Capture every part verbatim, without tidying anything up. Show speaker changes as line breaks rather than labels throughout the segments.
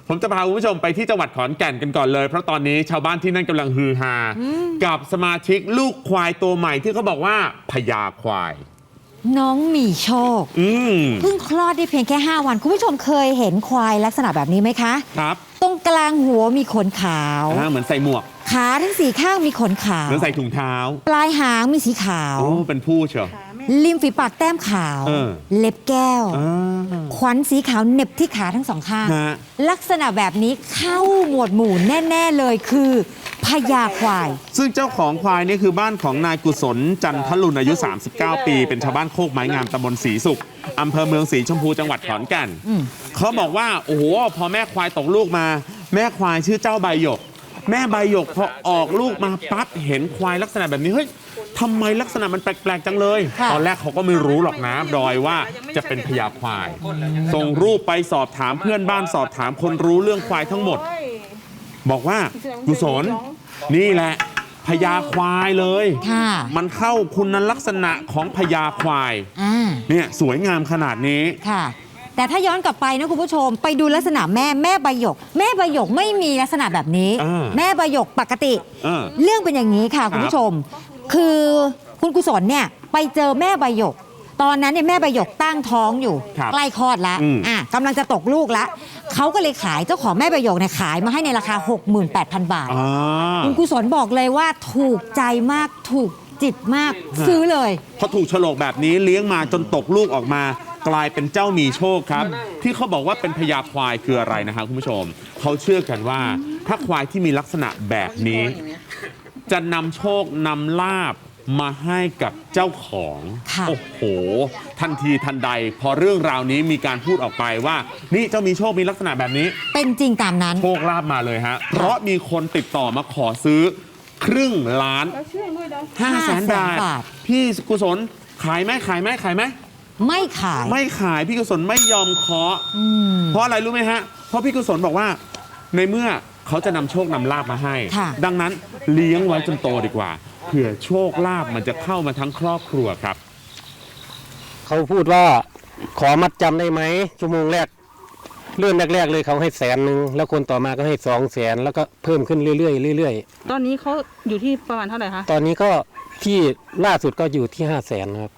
ผมจะพาคุณผู้ชมไปที่จังหวัดขอนแก่นกันก่อนเลยเพราะตอนนี้ชาวบ้านที่นั่นกำลังฮือฮากับสมาชิกลูกควายตัวใหม่ที่เขาบอกว่าพญาควาย
น้องมีโชคเพิ่งคลอดได้เพียงแค่ห้าวันคุณผู้ชมเคยเห็นควายลักษณะแบบนี้ไหมคะ
ครับ
ตรงกลางหัวมีขนขาว
เหมือนใส่หมวก
ขาทั้งสี่ข้างมีขนขาว
เหมือนใส่ถุงเท้า
ปลายหางมีสีขาว
โอ้เป็นผู้เชียว
ริมฝีปากแต้มขาวเล็บแก้วขวัญสีขาวเหน็บที่ขาทั้งสองข้างลักษณะแบบนี้เข้าหมวดหมู่แน่ๆเลยคือพญาควาย
ซึ่งเจ้าของควายนี่คือบ้านของนายกุศลจันทลุนอายุสามสิบเก้าปีเป็นชาวบ้านโคกไม้งามตำบลศรีสุขอำเภอเมืองศรีชมพูจังหวัดขอนแก่นเขาบอกว่าโอ้โหพอแม่ควายตกลูกมาแม่ควายชื่อเจ้าใบหยกแม่ใบหยกพอออกลูกมาปั๊บเห็นควายลักษณะแบบนี้เฮ้ยทำไมลักษณะมันแปลกๆจังเลยตอนแรกเขาก็ไม่รู้หรอกนะดอยว่าจะเป็นพญาควายส่งรูปไปสอบถามเพื่อนบ้านสอบถามคนรู้เรื่องควายทั้งหมดบอกว่ากุศลนี่แหละพญาควายเลยมันเข้าคุณลักษณะของพญาควายเนี่ยสวยงามขนาดนี้
ค่ะแต่ถ้าย้อนกลับไปนะคุณผู้ชมไปดูลักษณะแม่แม่ใบหยกแม่ใบหยกไม่มีลักษณะแบบนี้แม่ใบหยกปกติเรื่องเป็นอย่างนี้ค่ะคุณผู้ชมคือคุณกุศลเนี่ยไปเจอแม่ใบหยกตอนนั้นเนี่ยแม่ใบหยกตั้งท้องอยู่ใกล้คลอดแล้วอ่ะกำลังจะตกลูกแล้วเขาก็เลยขายเจ้าของแม่ใบหยกเนี่ยขายมาให้ในราคา หกหมื่นแปดพัน บาทคุณกุศลบอกเลยว่าถูกใจมากถูกจิตมากซื้อเลย
พอถูกโฉลกแบบนี้เลี้ยงมาจนตกลูกออกมากลายเป็นเจ้ามีโชคครับที่เขาบอกว่าเป็นพญาควายคืออะไรนะครับคุณผู้ชมเขาเชื่อกันว่าถ้าควายที่มีลักษณะแบบนี้จะนำโชคนำลาภมาให้กับเจ้าของโอ้โหทันทีทันใดพอเรื่องราวนี้มีการพูดออกไปว่านี่เจ้ามีโชคมีลักษณะแบบนี้
เป็นจริงตามนั้น
โชคลาภมาเลยฮะเพราะมีคนติดต่อมาขอซื้อครึ่งล้านห้าแสนบาทพี่กุศลขายไหมขายไหมขายไหม
ไม่ขาย
ไม่ขายพี่กุศลไม่ยอมเคาะเพราะอะไรรู้ไหมฮะเพราะพี่กุศลบอกว่าในเมื่อเขาจะนำโชคนำลาภมาให้ดังนั้นเลี้ยงไว้จนโตดีกว่าเผื่อโชคลาภมันจะเข้ามาทั้งครอบครัวครับ
เขาพูดว่าขอมัดจำได้ไหมชั่วโมงแรกเรื่องแรกๆเลยเขาให้แสนหนึ่งแล้วคนต่อมาก็ให้สองแสนแล้วก็เพิ่มขึ้นเรื่อยๆเรื่อย
ๆตอนนี้เขาอยู่ที่ประมาณเท่าไหร่คะ
ตอนนี้ก็ที่ล่าสุดก็อยู่ที่ห้าแสนครับ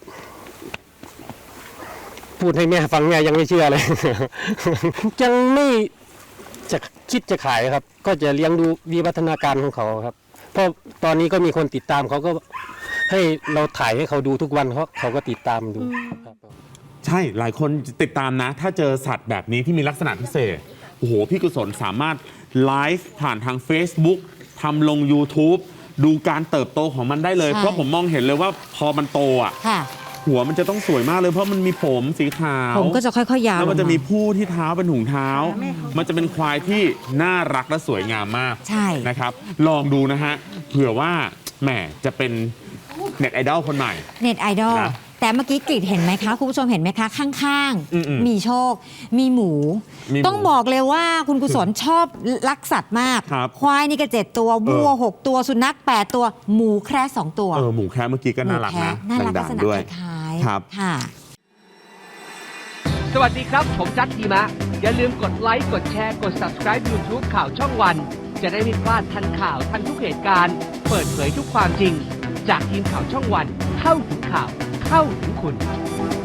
พูดให้แม่ฟังแม่ยังไม่เชื่อเลยยังไม่จะคิดจะขายครับก็จะเลี้ยงดูวิวัฒนาการของเขาครับเพราะตอนนี้ก็มีคนติดตามเขาก็ให้เราถ่ายให้เขาดูทุกวันเขาเขาก็ติดตามดูครับ
ใช่หลายคนติดตามนะถ้าเจอสัตว์แบบนี้ที่มีลักษณะพิเศษโอ้โหพี่กุศลสามารถไลฟ์ผ่านทาง Facebook ทำลง YouTube ดูการเติบโตของมันได้เลยเพราะผมมองเห็นเลยว่าพอมันโตอ่ะหัวมันจะต้องสวยมากเลยเพราะมันมีผมสีขาว
ผมก็จะค่อยๆยาว
แล้วมันจะมีผู้ที่เท้าเป็นถุงเท้ามันจะเป็นควายที่น่ารักและสวยงามมาก
ใช่
นะครับลองดูนะฮะเผื่อว่าแหมจะเป็นเน็ตไอดอลคนใหม่
เน็ตไอดอลแต่เมื่อกี้กรีดเห็นไหมคะคุณผู้ชมเห็นไหมคะข้างๆมีโชคมีหมูต้องบอกเลยว่าคุณกุศลชอบรักสัตว์มากควายนี่ก็เจ็ดตัววัวหกตัวสุนัขแปดตัวหมูแคระสองตัว
เออหมูแคระเมื่อกี้ก็น่ารักนะ
น่ารักลักษณะคล้ายๆ
ครับ
ค่ะ
สวัสดีครับผมจัดทีมะอย่าลืมกดไลค์กดแชร์กด ซับสไครบ์ ยูทูบ ข่าวช่องวันจะได้ไม่พลาดทันข่าวทันทุกเหตุการณ์เปิดเผยทุกความจริงจากทีมข่าวช่องวันเข้าถึงข่าวเข้าถึงคุณ